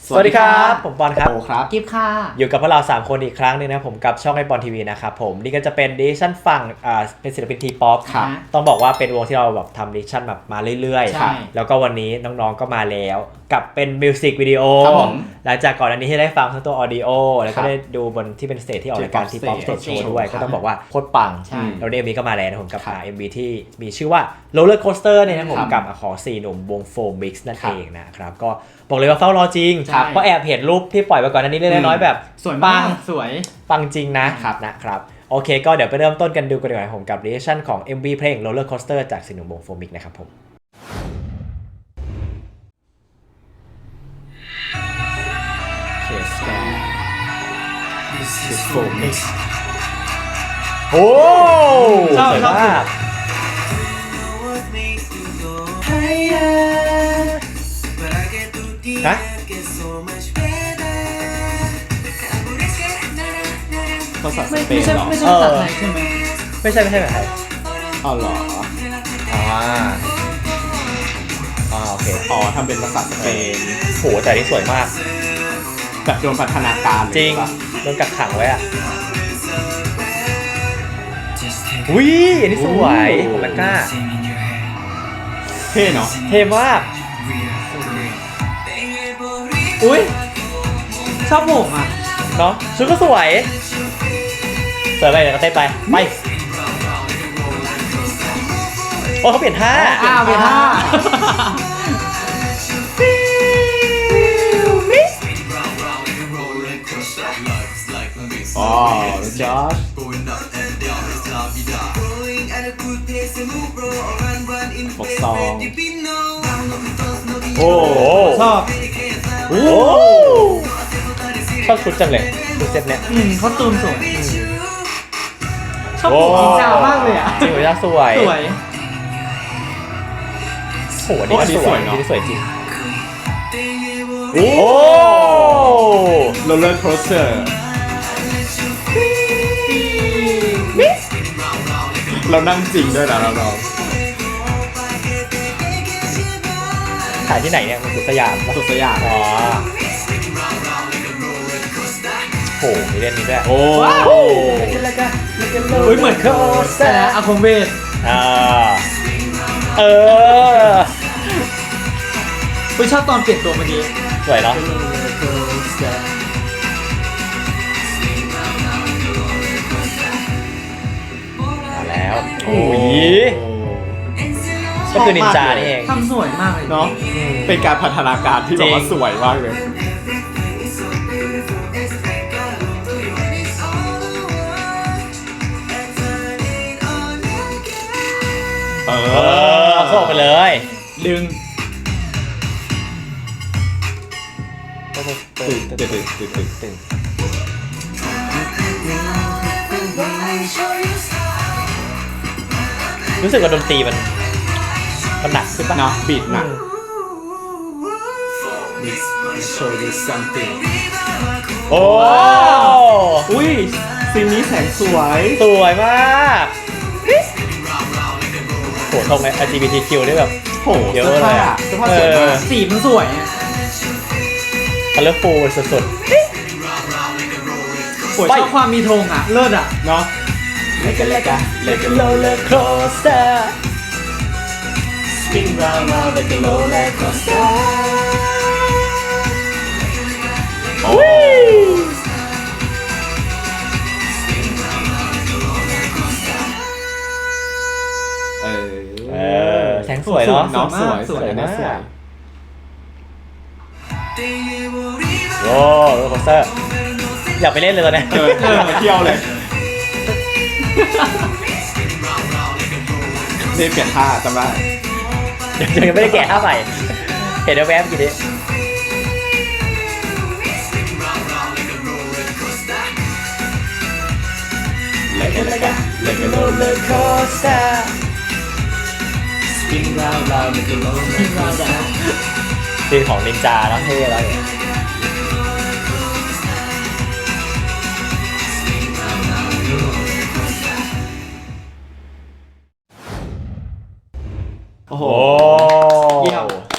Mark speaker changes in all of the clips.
Speaker 1: สวัสดีครับผมปอนครับ
Speaker 2: โอครับ
Speaker 3: กิฟค่ะ
Speaker 1: อยู่กับพวกเรา3คนอีกครั้งนึงนะผมกับช่องไอปอนทีวีนะครับผมนี่ก็จะเป็นดิชั่นฝั่งเป็นศิลปินทีป๊อปต้องบอกว่าเป็นวงที่เราแบบทำดิชั่นแบบมาเรื่อยๆแล้วก็วันนี้น้องๆก็มาแล้วกับเป็นมิวสิกวิดีโอหลังจากก่อนอันนี้ที่ได้ฟังทั้งตัวออดิโอแล้วก็ได้ดูบนที่เป็นสเตจที่ออกรายการทีป๊อปสเตจโชว์ด้วยก็ต้องบอกว่าโคตรปังแล้วเอ็มวีก็มาแล้วนะผมกับMVที่มีชื่อว่า Roller Coaster เนี่ยนะผมกับของ4หนุ่มวงโฟมิกซ์นั่นเองนะครับก็บอกเลยว่าเฝ้ารอจริงเพราะแอบเห็นรูปที่ปล่อยไปก่อนอันนี้เล็กน้อยแบบ
Speaker 3: สวยปังสวย
Speaker 1: ปังจริงนะครับโอเคก็เดี๋ยวไปเริ่มต้นกันดูกันดีกว่าผมกับ reaction ของ MV เพลง Roller Coaster จาก4หนุ่มวงโฟมิกนะครับผม
Speaker 2: เคสแกน This is Phomix
Speaker 1: โอ้
Speaker 3: ชอบ
Speaker 1: มากฮะ
Speaker 2: ภาษาสเปน
Speaker 3: ไม่ใช่
Speaker 2: เหรอ
Speaker 3: ภาษาไทยใช่ไหม
Speaker 1: ไม่ใช่แบบไทย
Speaker 2: อ๋อเหรอ
Speaker 1: โอเค
Speaker 2: ทำเป็นภาษาสเปน
Speaker 1: โหแต่นี่สวยมาก
Speaker 2: แบบโดนพัฒนาการ
Speaker 1: จริงโดนกักขังไว้อ่ะอุ้ยอันนี้สวยของแมกก้า
Speaker 2: เท่เนาะ
Speaker 1: เท่มาก
Speaker 3: อุ้ยชอบผมอ่ะ
Speaker 1: เนาะชุดก็สวยไปเดี๋ยวก็เต้นไปโอ้เขาเปลี่ยนท่า
Speaker 3: เปลี่ยนท่า
Speaker 2: อ๋อจอร์จฟกซอง
Speaker 1: โอ้
Speaker 3: ชอบ
Speaker 1: ชอบชุดจังเลยชุดเซ็ตเนี้ย
Speaker 3: เขาตูนสวยชอบผมจริงจังมากเลยอ่ะ
Speaker 1: จริงหัวใจสวยโหนี่สวยเนาะนี่สวยจริงโอ้
Speaker 2: โรลเลอร์โคสเตอร์เรานั่งจริงด้วยนะเรา
Speaker 1: ถ่ายที่ไหนเนี่ยมันสุดสยามอ๋อโหมีเล่นนี้ด้วย
Speaker 2: โอ้
Speaker 3: ยเหมือนเครื่องแต่อาคมเวทชอบตอนเปลี่ยนตัวเมื่อกี้
Speaker 1: สวยเนาะมาแล้วโอ้ยก็คือนินจานี่เอง
Speaker 3: ทำสวยมากเลย
Speaker 2: เนาะเป็นการพัฒนาการที่แบบว่าสวยมากเลย
Speaker 1: เข้าไปเลย
Speaker 3: ดึง
Speaker 1: รู้สึกว่าดนตรีมันหนักขึ้นป่ะ
Speaker 2: เนาะบีทหนัก
Speaker 1: โอ้
Speaker 2: อุ้ยซีนนี้แสงส
Speaker 1: วยมากโหตรงใน LGBTQ ได้แบบ
Speaker 2: โหเยอะเลยอ่ะเสื้อผ้าสวยมาก
Speaker 3: สีมันสวย
Speaker 1: colorful สุดๆ
Speaker 3: ชอบความมีธงอ่ะเลิศอ่ะ
Speaker 2: เนาะ
Speaker 1: Like a roller coaster spin round round like a roller coaster โอ้แสงสวยเนาะ
Speaker 2: สวยนะสวย
Speaker 1: โอ้โรลโคสเตอร์อยากไปเล่นเลยตอนนี้
Speaker 2: มาเที่ยวเลยนี่เปลี่ยนท่าจำได้
Speaker 1: ยังไม่ได้แกะท่าใหม่เห็นแวบๆกี่ดิLike a roller coaster spin round round like a roller coaster ซีนของนินจาแล้วเท่แล้วเนี่ย
Speaker 2: โอ้โห
Speaker 1: เยี่ยม
Speaker 2: ส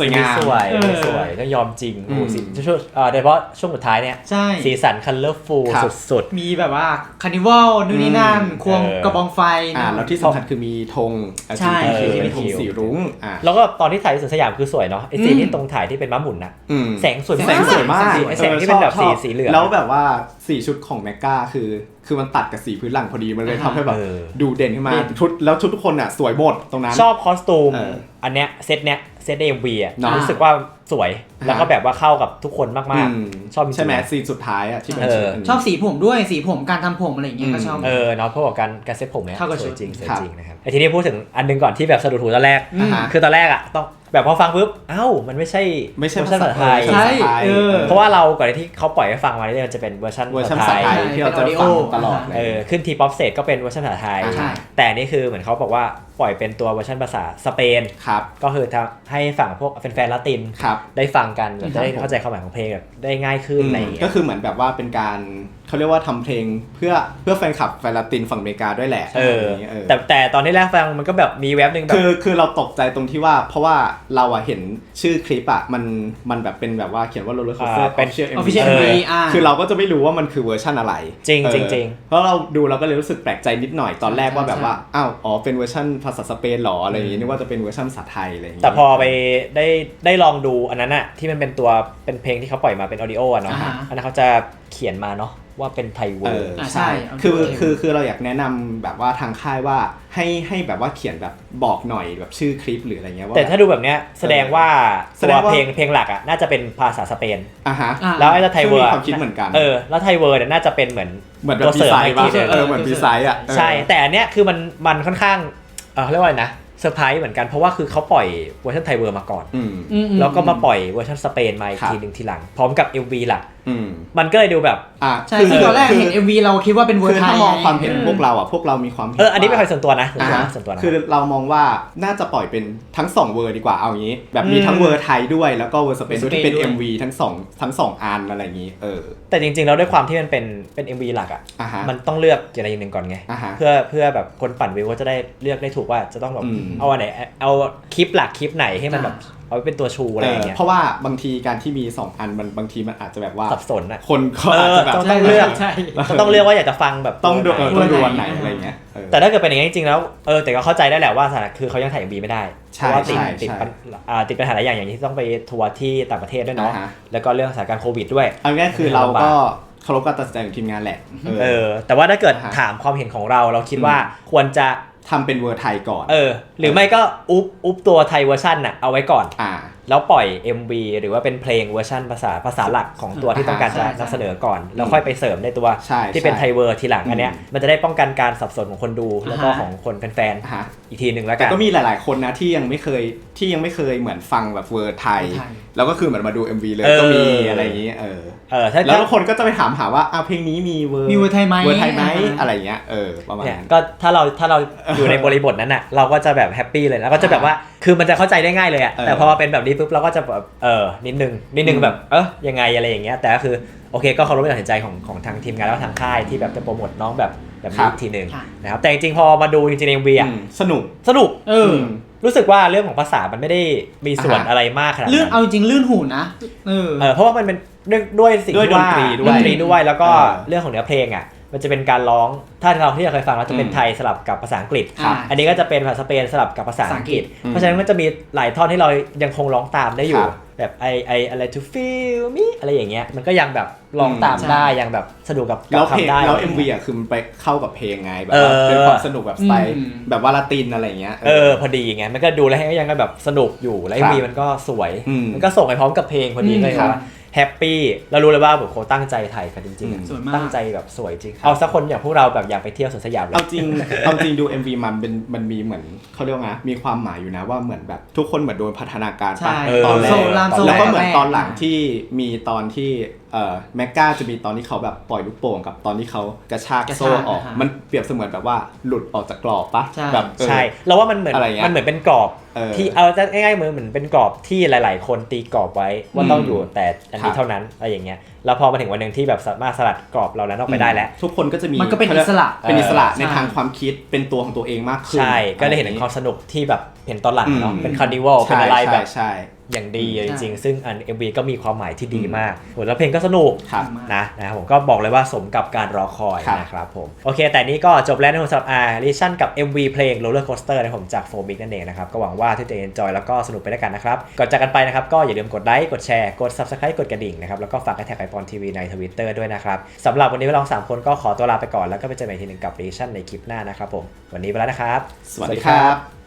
Speaker 2: สวยงาม
Speaker 1: สวยสวยก็ยอมจริงโอ้สิช่วงโดยเฉพาะช่วงสุดท้ายเนี่ย
Speaker 3: ใช่
Speaker 1: สีสันคัลเลอร์ฟูลสุด
Speaker 3: มีแบบว่าคาร์นิวัลนู่นนี่นั่นควงกระบองไฟ
Speaker 2: แล้วที่สำคัญคือมีธง
Speaker 3: ใช่
Speaker 2: LGBT ที่เป็นธงสีรุ้ง
Speaker 1: ๆแล้วก็ตอนที่ถ่ายที่สวนสยามคือสวยเนาะไอซีนที่ตรงถ่ายที่เป็นม้าหมุนน่ะแสงสวย
Speaker 2: แสงสวยมาก
Speaker 1: แสงที่เป็นแบบสีเหลือง
Speaker 2: แล้วแบบว่าสีชุดของแมกกาคือมันตัดกับสีพื้นหลังพอดีมันเลยทำให้แบบดูเด่นขึ้นมาชุดทุกคนอ่ะสวยหมดตรงนั้น
Speaker 1: ชอบคอสตูมอันเนี้ยเซตเอ็มวีอ่ะรู้สึกว่าสวยแล้วก็แบบว่าเข้ากับทุกคนมากๆชอบ
Speaker 2: ใช่ไหมซีนสุดท้ายอ่ะที่เป็น
Speaker 3: ชอบสีผมด้วยสีผมการทำผมอะไรอย่างเงี้ยก็ชอบ
Speaker 1: เนาะเพราะว่าการเซ็ตผมเนี่ยสวยจริงนะครับไอทีนี้พูดถึงอันนึงก่อนที่แบบสะดุดหูตอนแรกคือตอนแรกอ่ะต้องแบบพอฟังปุ๊บมันไม่ใช่เวอร์ชันภาษาไทย
Speaker 3: ใช่
Speaker 1: เพราะว่าเราก่อนที่เขาปล่อยให้ฟังมาเนี่ยมันจะเป็นเวอร์ชันภาษาไทย
Speaker 2: ที่เราจะฟังตลอด
Speaker 1: ขึ้นทีป๊อปเซตก็เป็นเวอร์ชันภาษาไทยแต่นี่คือเหมือนเขาบอกว่าปล่อยเป็นตัวเวอร์ชันภาษาสเปนก็คือให้ฝั่งพวกแฟนๆละตินได้ฟังกันจะได้เข้าใจความหมายของเพลงแบบได้ง่ายขึ้นอะไรอย่างเงี้ย
Speaker 2: ก็คือเหมือนแบบว่าเป็นการเขาเรียกว่าทำเพลงเพื่อแฟนคลับแฟนละตินฝั่งอเมริกาด้วยแหละ
Speaker 1: แต่ตอนที่แรกฟังมันก็แบบมีแว็บนึงแบบ
Speaker 2: คือเราตกใจตรงที่ว่าเพราะว่าเราเห็นชื่อคลิปมันแบบเป็นแบบว่าเขียนว่าโรลเลอร์โคสเตอร์
Speaker 1: เป็น
Speaker 3: Official MV
Speaker 2: คือเราก็จะไม่รู้ว่ามันคือเวอร์ชันอะไร
Speaker 1: จริง
Speaker 2: เพราะเราดูเราก็เลยรู้สึกแปลกใจนิดหน่อยตอนแรกว่าแบบว่าเป็นเวอร์ชันภาษาสเปนหรออะไรอย่างงี้นึกว่าจะเป็นเวอร์ชันภาษาไทยอะไรอย่างงี้
Speaker 1: แต่พอไปได้ลองดูอันนั้นน่ะที่มันเป็นตัวเป็นเพลงที่เขาปล่อยมาเป็นออดิโอเนาะอันนั้นเขาจะเขียนมาเนาะว่าเป็นไทยเวอร์
Speaker 3: ใช่
Speaker 2: คือเราอยากแนะนำแบบว่าทางค่ายว่าให้แบบว่าเขียนแบบบอกหน่อยแบบชื่อคลิปหรืออะไรเงี้ยว่า
Speaker 1: แต่ถ้าดูแบบเนี้ยแสดงว่าตัวเพลงหลักอ่ะน่าจะเป็นภาษาสเปนแล้วไอ้ไทยเวอร์
Speaker 2: ความคิดเหมือนกัน
Speaker 1: แล้วไทยเวอร์เนี่ยน่าจะเป็นเหมือน
Speaker 2: ตัวเสริมอีกทีนึงเหมือนดีไซน์
Speaker 1: ใช่แต่อันเนี้ยคือมันค่อนข้างเรียกว่านะเซอร์ไพรส์เหมือนกันเพราะว่าคือเขาปล่อยเวอร์ชันไทยเวอร์มาก่อนแล้วก็มาปล่อยเวอร์ชันสเปนมาอีกทีนึงทีหลังพร้อมกับ MV หลักมันก็เลยดูแบบ
Speaker 3: ใช่คือตอนแรกเห็น MV เราคิดว่าเป็นเวอร์ชัน
Speaker 2: ถ้ามองความเห็นพวกเรามีความเห็น
Speaker 1: อันนี้เป็นความส่วนตัวนะ
Speaker 2: คือเรามองว่าน่าจะปล่อยเป็นทั้ง2เวอร์ดีกว่าเอางี้แบบมีทั้งเวอร์ไทยด้วยแล้วก็เวอร์สเปนด้วยที่เป็น MV ทั้ง2อันอะไรอย่างงี้
Speaker 1: แต่จริงๆแล้วด้วยความที่มันเป็น MV หลักอ่ะมันต้องเลือกอย่างใดอย่างหนึ่งก่อนไงเพื่อแบบคนปั่นวิวก็จะได้เลือกได้ถูกว่าจะต้องแบบเอาอันไหนเอาคลิปหลักคลิปไหนให้มันแบบเอาเป็นตัวชูอะไรอย่างเงี้ย
Speaker 2: เพราะว่าบางทีการที่มี2อันมันบางทีมันอาจจะแบบว่า
Speaker 1: สับสนอ่ะ
Speaker 2: คนก็อาจจะแบบ
Speaker 1: ต้องเลือกต้องเลือกว่าอยากจะฟังแบบ
Speaker 2: ต้องดูวันไหนอะไรเงี้ย
Speaker 1: แต่ถ้าเกิดเป็นอย่างนี้จริงๆแล้วแต่ก็เข้าใจได้แหละว่าคือเขายังถ่าย MV ไม่ได้เพราะว่าติดปัญหาหลายอย่างที่ต้องไปทัวร์ที่ต่างประเทศด้วยเนาะแล้วก็เรื่องสถานการณ์โควิดด้วย
Speaker 2: เอาง่ายคือเราก็เคารพการตัดสินใจของทีมงานแหละ
Speaker 1: แต่ว่าถ้าเกิดถามความเห็นของเราคิดว่าควรจะ
Speaker 2: ทำเป็นเวอร์ไทยก่อน
Speaker 1: หรือไม่ก็อุ๊บตัวไทยเวอร์ชันน่ะเอาไว้ก่อนแล้วปล่อย MV หรือว่าเป็นเพลงเวอร์ชันภาษาหลักของตัวที่ต้องการจะนำเสนอก่อนแล้วค่อยไปเสริมในตัวที่เป็นไทยเวอร์ทีหลังอันเนี้ยมันจะได้ป้องกันการสับสนของคนดูแล้วก็ของคนแฟนๆอีกทีนึงแล้วกัน
Speaker 2: แต่ก็มีหลายๆคนนะที่ยังไม่เคยเหมือนฟังแบบเวอร์ไทยแล้วก็คือเหมือนมาดู MV เลยก็มีอะไรอย่างนี้แล้วทุกคนก็จะไปถามหาว่าเพลงนี้มีเวอร์
Speaker 3: ไทยไหม
Speaker 2: อะไรเงี้ยประมาณนั้น
Speaker 1: ก็ถ้าเราอยู่ในบริบทนั้นน่ะเราก็จะแบบแฮปปี้เลยแล้วก็จะแบบว่าคือมันจะเข้าใจได้ง่ายเลยอ่ะแต่พอเป็นแบบนี้ปุ๊บเราก็จะแบบนิดนึงแบบยังไงอะไรอย่างเงี้ยแต่ก็คือโอเคก็เคารพการตัดสินใจของทางทีมงานแล้วทางค่ายที่แบบจะโปรโมทน้องแบบนี้ทีนึงนะครับแต่จริงๆพอมาดูจริงๆ MV อ่ะ
Speaker 2: สนุก
Speaker 1: รู้สึกว่าเรื่องของภาษามันไม่ได้มีส่วนอะไรมากขนาดนั้น
Speaker 3: เอาจริงลื่นหูนะ
Speaker 1: เพราะว่ามันเป็นด้วยสิ่งที่ว่าดนตรีด้วยแล้วก็เรื่องของเนื้อเพลงอ่ะมันจะเป็นการร้องถ้าเราที่เราเคยฟังแล้วจะเป็นไทยสลับกับภาษาอังกฤษอันนี้ก็จะเป็นภาษาสเปนสลับกับภาษาอังกฤษเพราะฉะนั้นก็จะมีหลายท่อนที่เรายังคงร้องตามได้อยู่แบบอะไร to feel me อะไรอย่างเงี้ยมันก็ยังแบบร้องตามได้ยังแบบสนุกกับ
Speaker 2: คำได้แล้ว MV อ่ะคือมันไปเข้ากับเพลงไงแบบเป็นความสนุกแบบสไตล์แบบว่าลาตินอะไรเงี้ย
Speaker 1: พอดีไงมันก็ดูแล้วยังก็แบบสนุกอยู่แล้ว MV มันก็สวยมันก็ส่งไปพร้อมกับเพลงพอดีเลยว่าแฮปปี้เรารู้เลยว่าแบบเขาตั้งใจถ่ายกันจริงๆตั้งใจแบบสวยจริงเอาสักคนอย่างพวกเราแบบอยากไปเที่ยวสวนสยามเลย
Speaker 2: เอาจริงดู MV มันมีเหมือนเขาเรียกว่าไงมีความหมายอยู่นะว่าเหมือนแบบทุกคนเหมือนโดนพัฒนาการตอนแรกแล้วก็เหมือนตอนหลังที่มีตอนที่แมกกาจะมีตอนที่เขาแบบปล่อยลูกโป่งกับตอนที่เขากระชากโซ่ออกมันเปรียบเสมือนแบบว่าหลุดออกจากกรอบปะแบบ
Speaker 1: ใช่เราว่ามันเหมือนเป็นกรอบที่เอาง่ายๆเหมือนเป็นกรอบที่หลายๆคนตีกรอบไว้ว่าต้องอยู่แต่อันนี้เท่านั้นอะไรอย่างเงี้ยแล้วพอมาถึงวันหนึ่งที่แบบสามารถสลัดกรอบเรานั้นออกไปได้แล้ว
Speaker 2: ทุกคนก็จะมี
Speaker 3: มันก็เป็นอิสระ
Speaker 2: ในทางความคิดเป็นตัวของตัวเองมากขึ้น
Speaker 1: ใช่ก็เลยเห็นถึงความสนุกที่แบบเห็นตอนหลังเนาะเป็นคาร์นิวัลเป็นอะไรแบบอย่างดีจริงๆซึ่งอัน MV ก็มีความหมายที่ดีมากแล้วเพลงก็สนุกนะครับผมก็บอกเลยว่าสมกับการรอคอยนะครับผมโอเคแต่นี้ก็จบแล้วในสำหรับReaction กับ MV เพลง Roller Coaster นะผมจาก 4Big นั่นเองนะครับก็หวังว่าทุกท่านจะ enjoy แล้วก็สนุกไปด้วยกันนะครับก่อนจากกันไปนะครับก็อย่าลืมกดไลค์กดแชร์กด Subscribe กดกระดิ่งนะครับแล้วก็ฝากแท็กไอปอนทีวีใน Twitter ด้วยนะครับสำหรับวันนี้เรา3คนก็ขอตัวลาไปก่อนแล้วก็ไปเจอกันอีกทีนึงกับ Reaction ในคลิปหน้านะครับผมวันนี้ไปแล้วนะครับ
Speaker 2: สวัสดีครับ